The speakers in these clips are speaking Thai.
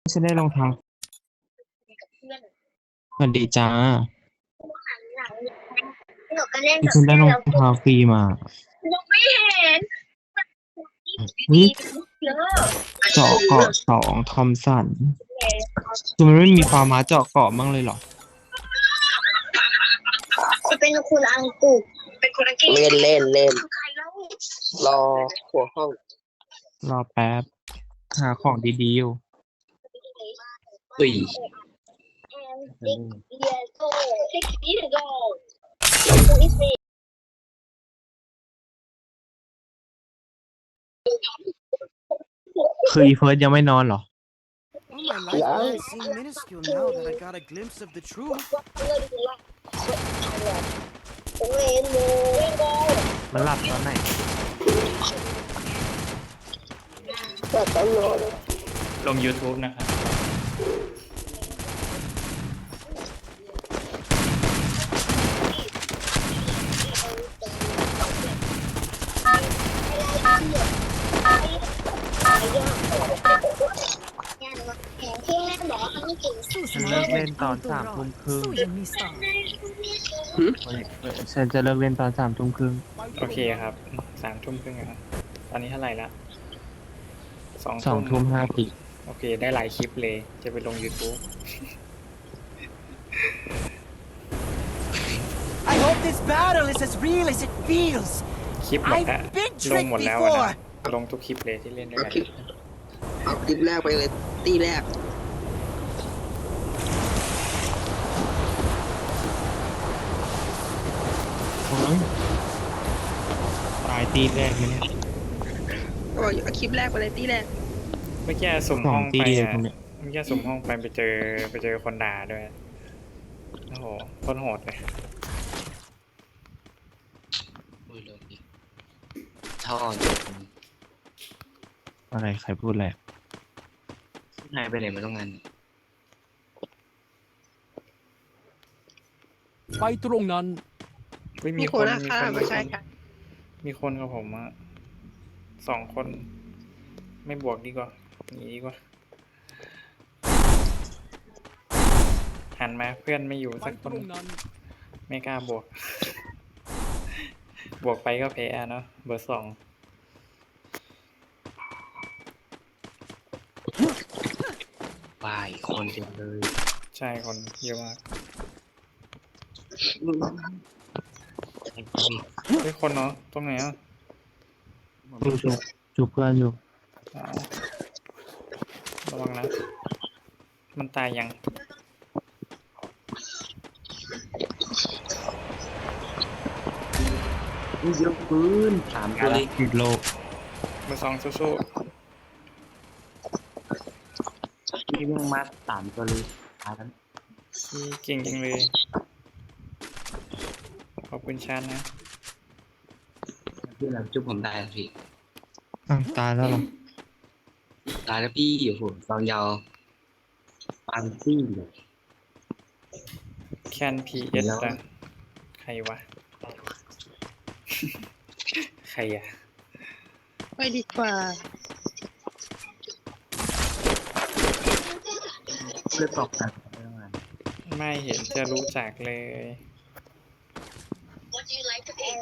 ฉันได้รองเท้ากับเพื่อนสวัสดีจ้าหันหลังหนูก็เล่นกับฉันได้เพื่อนรองแล้วก็เท้าฟรีมาหนูไม่เห็นวิดีเยอะเจาะเกาะสองทอมสันคือมันไม่มีฟาร์มาเจาะเกาะบ้างเลยเหรอจะเป็นคนอังกฤษเป็นคนอังกฤษเล่นใครเล่ารอหัวห้องรอแป๊บหาของดีๆอยู่อุ้ย years old 6 years old who is me คืออีเฟิร์สยังไม่นอนเหรอ Well, my life doesn't seem minuscule now that I got a glimpse of the truth. เวนโมมันหลับตอนไหนแต่ตอนนอนลง YouTube นะครับที่แม่บอกว่าเขาไม่เก่งฉันเลิกเล่นตอน3 ทุ่มครึ่ง ฉันจะเลิกเล่นตอน3 ทุ่มครึ่งโอเคครับ3 ทุ่มครึ่งครับตอนนี้เท่าไหร่ละสอง 2 ทุ่ม 5 นาทีโอเคได้หลายคลิปเลยจะไปลง YouTube I hope this battle is as real as it feels. คลิปหมดแล้ว I've been ลงหมด tricked แล้ว before. นะลงทุกคลิปเลยที่เล่นด้วยกันเอาคลิปแรกไปเลยตีแรกโอ้ยตายตีแรกไหมเนี่ยก็เอาคลิปแรกไปเลยตีแรกเมื่อกี้สุ่มสอห้งองตีไปเลยอ่ะตรงเนี้ยเมื่อกี้สุ่มห้องไปเจอคนด่าด้วยโอ้โหโคตรโหดเลยอุ้ยลงอีกท่ออยู่อะไรใครพูดอะไรหายไปไหนมาต้องงานไปตรงนั้นไม่มีมีคคน นนะค่ะไม่ใช่ค่ะมีคนกับผมอะ2 คน ไม่บวกดีกว่าหนีดีกว่าหันมาเพื่อนไม่อยู่ไปสักคตนรงนั้นไม่กล้าบวก บวกไปก็แพ้เนาะเบอร์ 2 วายคนเต็มเลยใช่คนเยอะมากไอ้พี่เฮ้ยคนเนาะตรงไหนอ่ะจูบเพื่อนอยู่อ๋อระวังนะ มันตายยังอุ้ยยกปืน3 ตัวเลยหยุดโลกเบอร์ 2สู้นี่วิ่งมา3 ตัวเลยตายแล้วๆที่เก่งจริงเลย ขอบคุณชาญนะพี่เราจุ๊บผมได้แล้วพี่ตายแล้วเหรอตายแล้วพี่โอ้โหตอนยาวปังซี่เลยแคนพีเอสอะใครวะ ใครอ่ะไปดีกว่าเลือดตกกันไปต้องงานไม่เห็นจะรู้จักเลย What do you like to eat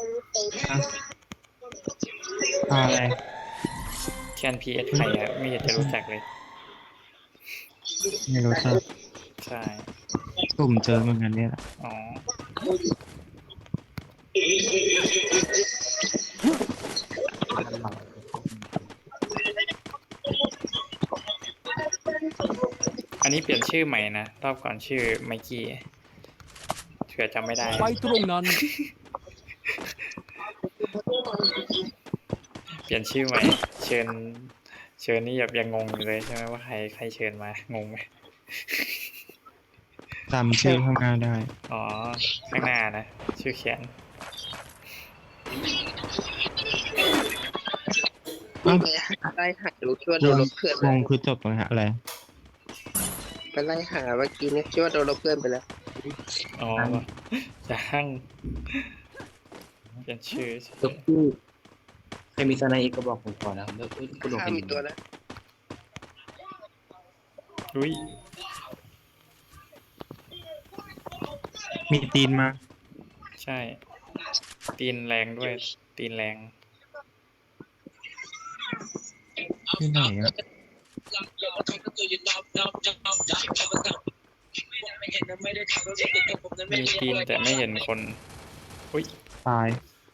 อะไรแคนพีเอสใครอ่ะ ไม่เห็นจะรู้จักเลยไม่รู้จักใช่ตุ่มเจอเหมือนกันเนี่ยแหละอ๋อ อันนี้เปลี่ยนชื่อใหม่นะ รอบก่อนชื่อไมกี้เผื่อจำไม่ได้ไปตรงนั้นเปลี่ยนชื่อใหม่ เชิญนี่แบบยังงงอยู่เลยใช่ไหมว่าใครเชิญมา งงไหมจำชื่อข้างหน้าได้อ๋อ ข้างหน้านะ ชื่อเขียนวิ่งไปไล่หารู้คิดว่าโดนลบเพื่อนวงคือจบตรงนี้อะไรไปไล่หาเมื่อกี้เนี่ยคิดว่าโดนลบเพื่อนไปแล้วอ๋อยังเปลี่ยนชื่อจบพี่ใครมีสไนเอกก็บอกผมก่อนนะแล้วคุณลงข้าไปมีตัวแล้วอุ้ยมีตีนมาใช่ ตีนแรงด้วย ตีนแรงที่ไหนอ่ะมีตีนแต่ไม่เห็นคน อุ้ยตาย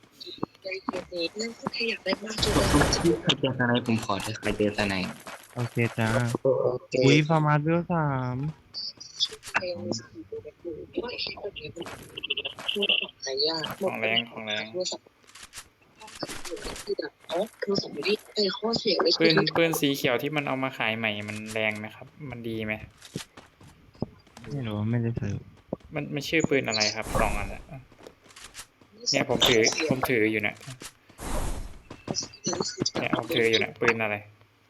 ที่ใครเจอสไนผมขอเถอะใครเจอสไนโอเคจ้าโอเคอุ้ยฟาร์มาสเวล3 หายากของแรงของแรง ปืนสีเขียวที่มันเอามาขายใหม่มันแรงไหมครับ มันดีไหมไม่รู้ไม่ได้ซื้อมันชื่อปืนอะไรครับลองอันน่ะเนี่ยผมถืออยู่เนี่ยผมถืออยู่เนี่ยปืนอะไร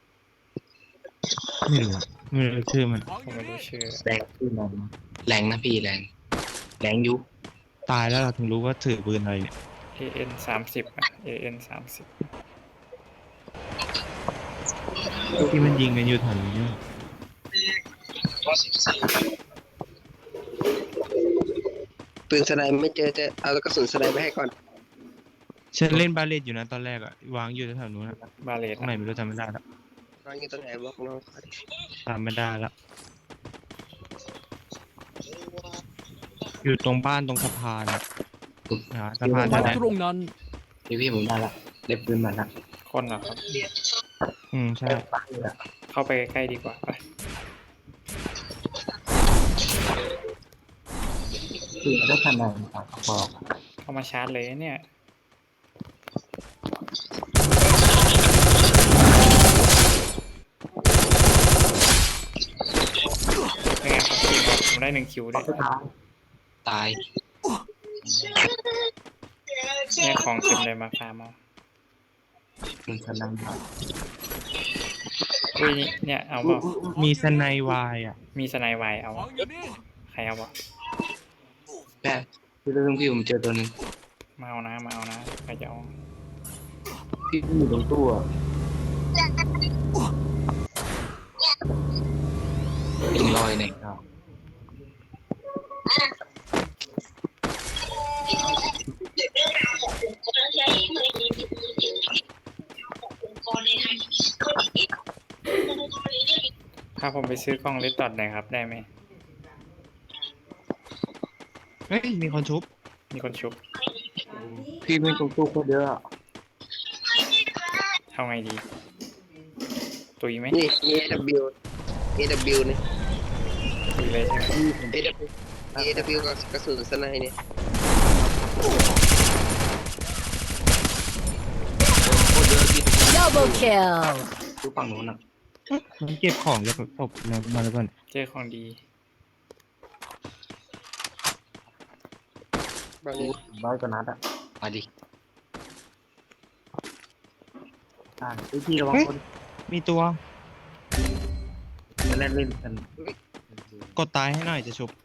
ไม่รู้อะไม่รู้ชื่อมันผมไม่รู้ชื่อแรงขึ้นมาแรงนะพี่แรงแรงยุคตายแล้วเราถึงรู้ว่าถือปืนอะไรเนี่ย AN 30อ่ะ AN 30 ที่มันยิงกันอยู่แถวนี้ปืนสไนไม่เจอจะเอากระสุนสไนไปให้ก่อนฉันเล่นบาเลตอยู่นะตอนแรกอะวางอยู่แถวนู้นอะบาเลตตรงไหนไม่รู้จำไม่ได้แล้วน้องอยู่ตรงไหนบอกน้องเขาดิจำไม่ได้แล้วอยู่ตรงบ้านตรงสะพานอะสะพานไปนั่นแหละตรงนั้นพี่ผมได้ละได้ปืนมาละคนเหรอครับใช่เข้าไปใกล้ๆดีกว่าไปคือได้ขนาดบอกเข้ามาชาร์จเลยเนี่ยเป็นไงครับทีมผมได้1 คิวด้วยตายเนี่ยของเต็มเลยมาฟาร์มเอาปืนสนั่นอุ้ยเนี่ยเอาเปล่ามีสไนวายอะมีสไนไวร์เอาใครเอาวะแป๊บพี่เรื่องพี่ผมเจอตัวนึงมาเอานะใครจะเอาพี่อยู่ตรงตู้ยิงลอยไหนครับถ้าผมไปซื้อกล้องเลดดอทหน่อยครับได้ไหมเฮ้ยมีคนชุบมีคนชุบพี่ไม่ตรงตู้โคตรเยอะเอาไงดี ตุยไหมนี่ AW เนี่ยตุยเลยใช่ไหม AW กับกระสุนสไนเนี่ยโคตรเยอะพี่ Double kill. ตู้ฝั่งโน้นอ่ะมันเก็บของจากศพมาแล้วก่อนเจอของดีบางนี้ร้อยกว่านัดอ่ะมาดิพี่ระวังคนมีตัวมาเล่นกันกดตายให้หน่อยจะชุบ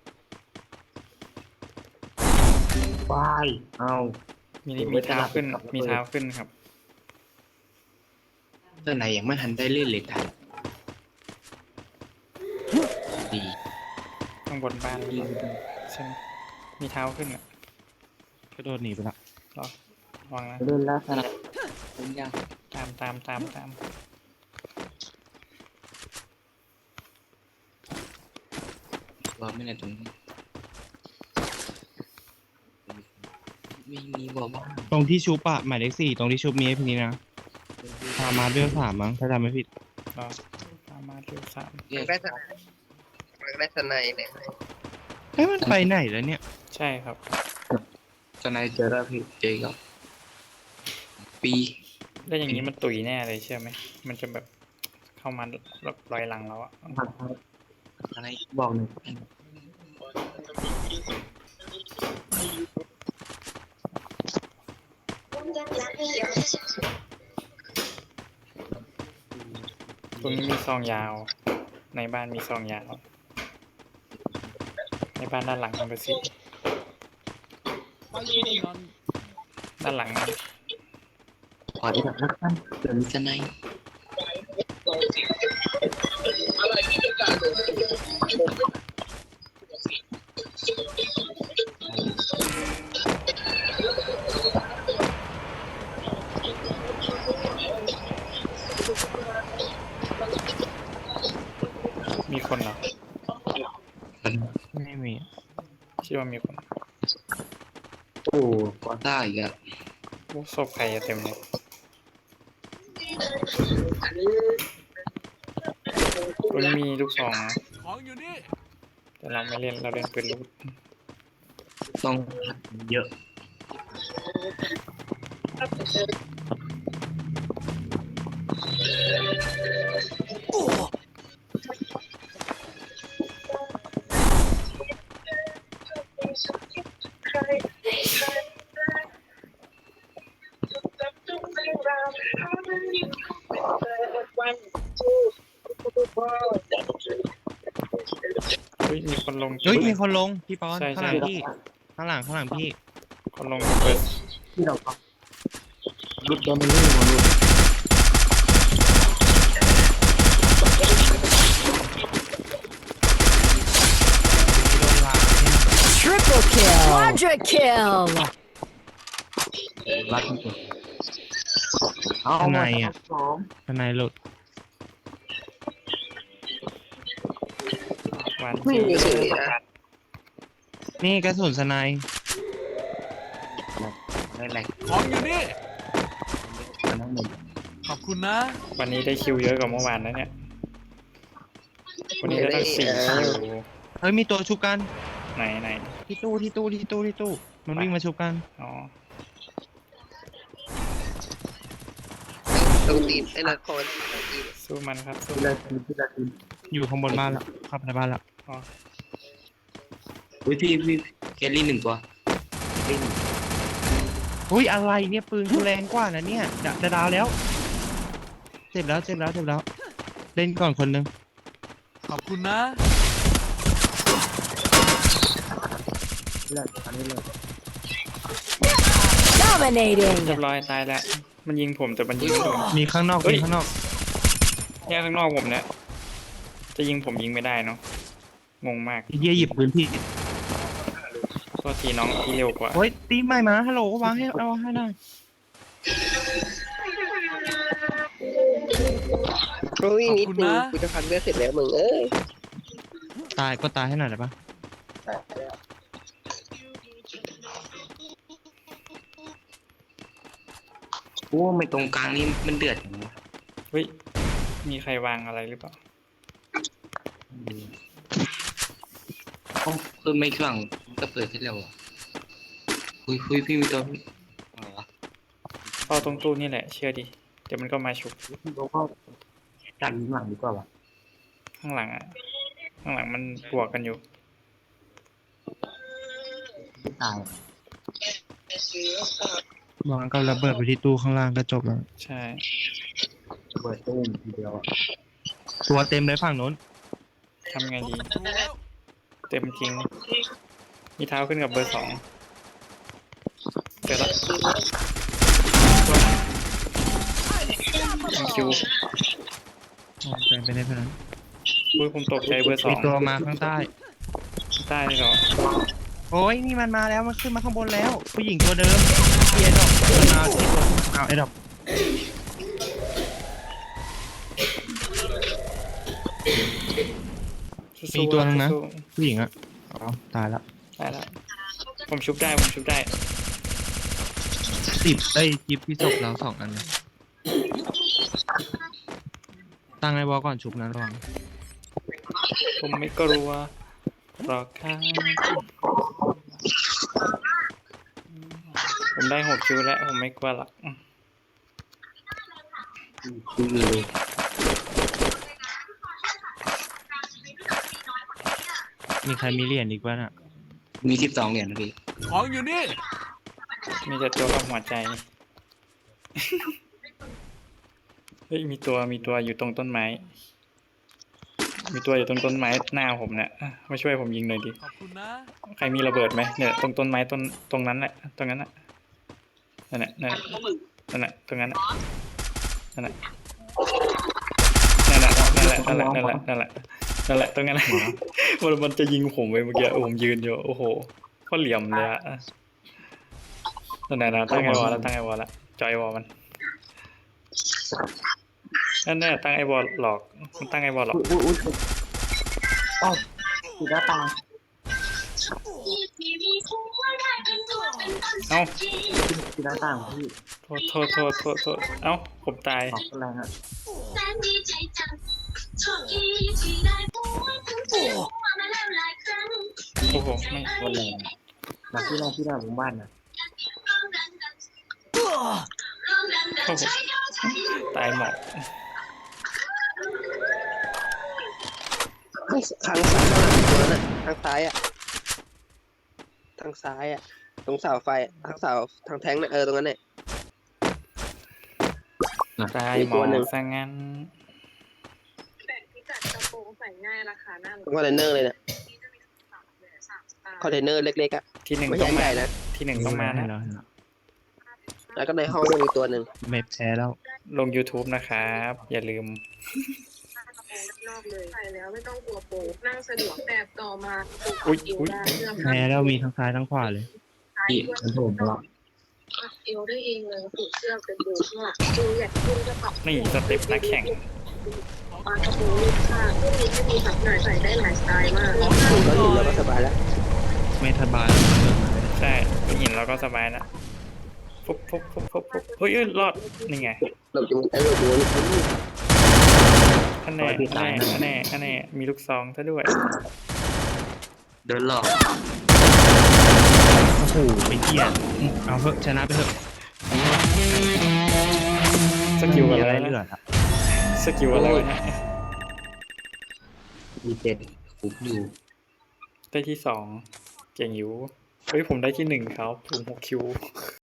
วายเอามีเท้าขึ้นครับเรื่องไหนยังไม่ทันได้เล่นเลยตายดีข้างบนบ้านหรือเปล่าใช่ไหมมีเท้าขึ้นอ่ะกระโดดหนีไปละรอระวังนะเล่นแล้วขนาดเล่นยังตามบอกไม่ได้ตรงนี้มีบอกว่าตรงที่ชุบอะหมายเลข4ตรงที่ชุบมีไอ้พีนี้นะฟาร์มาสเวล3มั้งถ้าจำไม่ผิดรอตามมาเร็ว3 ได้สไนได้สไนเนี่ยเอ้ยมันไปไหนแล้วเนี่ยใช่ครับสไนเจอแล้วพี่เจอกับปีแล้วอย่างนี้มันตุยแน่เลยเชื่อไหมมันจะแบบเข้ามาลอยหลังเราอะอะไรบอกหนึ่งตรงนี้มีซองยาว ในบ้านมีซองยาว ในบ้านด้านหลังมันไปสิไปตรงนั้นด้านหลังนะขอได้แบบนักปั้นเดี๋ยวมีสไนมีคนเหรอไม่มีคิดว่ามีคนโอ้กอต้าอีกอะโอ้ศพใครอะเต็มเลยตัวนี้มีลูกซองนะของอยู่นี่แต่เราไม่เล่นเราเล่นปืนลูกต้องเยอะเฮ้ยมีคนลงเฮ้ยมีคนลงพี่ปอนใช่ข้างหลังใช่พี่ข้างหลังพี่คนลงกับเปิดที่เราลุดโดนไปเรื่อยมาลุดโดนลาเนี่ย Triple kill. Quadra kill. รัดที่สุดข้างในอ่ะข้างในหลุดหวานไม่จีมีสื่อนะนี่กระสุนสไนป์ไม่แหลกของอยู่นี่มันต้องหนึ่งขอบคุณนะวันนี้ได้คิวเยอะกว่าเมื่อวานนะเนี่ยวันนี้ได้ตั้ง4 คิวเฮ้ยมีตัวชุบกันไหนที่ตู้มันวิ่งมาชุบกันอ๋อตรงตีนไอ้ละครตรงตีนสู้มันครับสู้ที่ละทีอยู่ข้างบนบ้านแล้วเข้าไปในบ้านแล้วอ๋ออุ้ยพี่เคลลี่หนึ่งตัวเคลลี่หนึ่งอุ้ยอะไรเนี่ยปืนกูแรงกว่านะเนี่ยจะดาวแล้วเจ็บแล้วเล่นก่อนคนนึงขอบคุณนะเลือกอันนี้เลยเรีย Dominating. บร้อยตายแล้วมันยิงผมแต่มันยิงไม่โดนมีข้างนอกเฮ้ยมีข้างนอกเนี่ยข้างนอกผมเนี่ยจะยิงผมยิงไม่ได้เนาะงงมากไอ้เหี้ยหยิบปืนพี่โทษทีน้องที่เร็วกว่าเฮ้ยตีใหม่มาฮัลโหลวางให้เอาให้หน่อยโอ้ยนิดขอบคุณนึงนะกูจะพันเลือดเสร็จแล้วมึงเอ้ยตายก็ตายให้หน่อยได้ปะโอ้ไม่ตรงกลางนี่มันเดือดอย่างวะเฮ้ยมีใครวางอะไรหรือเปล่าเอ้าเพิ่มไม่ข้างก็เปิดให้แล้วอ่ะคุยพี่มีตัวอะไรวะเข้าตรงตู้นี่แหละเชื่อดิเดี๋ยวมันก็มาฉุกเราก็ดันหลังดีกว่าวะข้างหลังอ่ะข้างหลังมันบวกกันอยู่ไม่ตายวางก็ระเบิดไปที่ตู้ข้างล่างก็จบแล้วใช่เปิดตู้มทีเดียวอะตัวเต็มเลยฝั่งโน้นทำไงดีดูแล้วเต็มจริงมีเท้าขึ้นกับเบอร์2เกิดละยังคิวอ๋อเต็มไปได้เท่านั้นอุ้ยผมตกใจเบอร์มีตัว 2 มาข้างใต้ใต้เลยเหรอโอ้ยนี่มันมาแล้วมันขึ้นมาข้างบนแล้ว ผู้หญิงตัวเดิมเอียดอกมันมาที่ตัวเอาไอ้ดอกสู้ๆมีตัวนึงนะสู้ผู้หญิงอะอ๋อตายละๆได้แล้วผมชุบได้ 10ได้กิฟที่ศพเรา2 อันเลยตั้งไอ้วอลก่อนชุบนะระวังผมไม่กลัวหรอกครับผมได้6 คิวแล้วผมไม่กลัวหรอกคุยเลยมีใครมีเหรียญอีกบ้างอะมี12 เหรียญนะพี่ของอยู่นี่มีแต่ตัวกับหัวใจ เฮ้ยมีตัวอยู่ตรงต้นไม้ มีตัวอยู่ตรงต้นไม้หน้าผมเนี่ยอ่ะมาช่วยผมยิงหน่อยดิขอบคุณนะใครมีระเบิดไหมเนี่ยตรงต้นไม้ตรงนั้นแหละตรงนั้นน่ะนั่นแหละตรงนั้นน่ะนั่นแหละตรงนั้นน่ะมันจะยิงผมไปเมื่อกี้ผมยืนอยู่โอ้โหก็เหลี่ยมเลยอะนั่นน่ะตั้งไอวอลแล้วจอยวอลมันนั่นแหละตั้งไอวอลหลอกมันตั้งไอวอลหลอกอุ้ยอ้าวติดหน้าต่างเอ้าติดหน้าต่างพี่โทษเอ้าผมตายขอบคุณแรงอ่ะโอ้โหไม่คนแรงมาที่หน้าหมู่บ้านนะโอ้โหตายหมอกทางซ้ายตัวนั้นทางซ้ายอ่ะทางซ้ายอ่ะตรงเสาไฟทางเสาทางแท้งน่ะตรงนั้นเนี่ยตายมีหมตัอวหนึ่งซะงั้นแต่พิกัดกระโปรงใส่ง่ายราคาหน้าคอนเทนเนอร์เลยเนี่ยนี้จะมี3 สไตล์คอนเทนเนอร์เล็กๆอ่ะที่หนึ่งไม่ต้องใหญ่มาๆนะที่หนึ่งต้องมานะแล้วก็ในห้องก็มีตัวหนึ่งไม่แพ้แล้วลง YouTube นะครับ อย่าลืมกระโปรงนอกเลยใส่แล้วไม่ต้องกลัวโปงนั่งสะดวกแต่ต่อมาอุ๊ยเอวได้เสื้อแพ้แล้วมีทั้งซ้ายทั้งขวาเลยผ้าเอวได้เองเลยผูกเสื้อเป็นเบลข้างหลังดูอยากขึ้นก็ปรับนี่สเต็ปนักแข่งปากระโปรงลูกค้าพวกนี้ไม่มีแบบไหนใส่ได้หลายสไตล์มากถึงก็ถึงแล้วก็สบายแล้วไม่สบายใช่หินเราก็สบายนะปุ๊บเฮ้ยรอด นี่ไงหลบอยู่หลบอยู่นี่อันแน่มีลูกซองซะด้วยเดินหลอกโอ้โหไปเหี้ยเอาเถอะชนะไปเถอะสกิลมีอะอะไร ไรนะเหลือครับสกิลอะไรวะเนี่ยมีเจ็ดฟุกอยู่ได้ที่ 2 เก่งอยู่ เฮ้ยผมได้ที่ 1ครับผม6 คิว